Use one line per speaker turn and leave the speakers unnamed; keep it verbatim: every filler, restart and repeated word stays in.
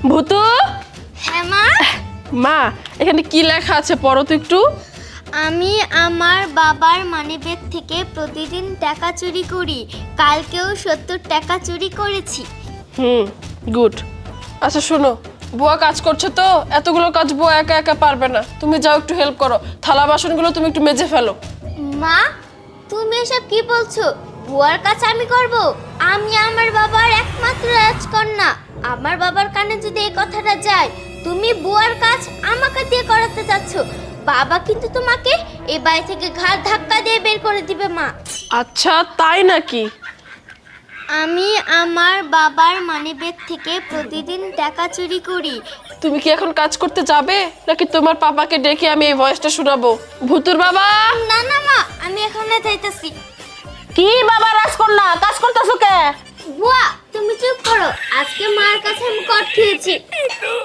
ভূতু।
হ্যাঁ মা।
মা এখানে কি লেখা আছে পড়ো তো একটু।
আমি আমার বাবার মানিব্যাগ থেকে প্রতিদিন টাকা চুরি করি, কালকেও সত্তর টাকা চুরি করেছি।
Hmm, good. আচ্ছা শোনো, বুয়া কাজ করছে তো, এতগুলো কাজ বুয়া একা একা পারবে না, তুমি যাও একটু হেল্প করো, থালা বাসনগুলো তুমি একটু মেজে ফেলো।
মা, তুমি এসব কি বলছো? বুয়ার কাজ আমি করব? আমি আমার বাবার একমাত্র রাজকন্যা। আমার বাবার কানে যদি এই কথাটা যায়, তুমি বুয়ার কাজ আমাকে দিয়ে করাতে চাচ্ছ, বাবা কিন্তু তোমাকে এই বাড়ি থেকে ঘাড় ধাক্কা দিয়ে বের করে দিবে মা।
আচ্ছা তাই নাকি?
আমি আমার বাবার মানিব্যাগ থেকে প্রতিদিন টাকা চুরি করি।
তুমি কি এখন কাজ করতে যাবে নাকি তোমার পাপাকে ডেকে আমি এই ভয়েসটা শোনাবো? ভূতুর বাবা।
না না মা, আমি এখানে যাইতাছি।
কি বাবা রাজকন্যা, কাজ করতেছো কে?
বুয়া তুমি চুপ করো, আজকে মার কাছে আমি কট খেয়েছি।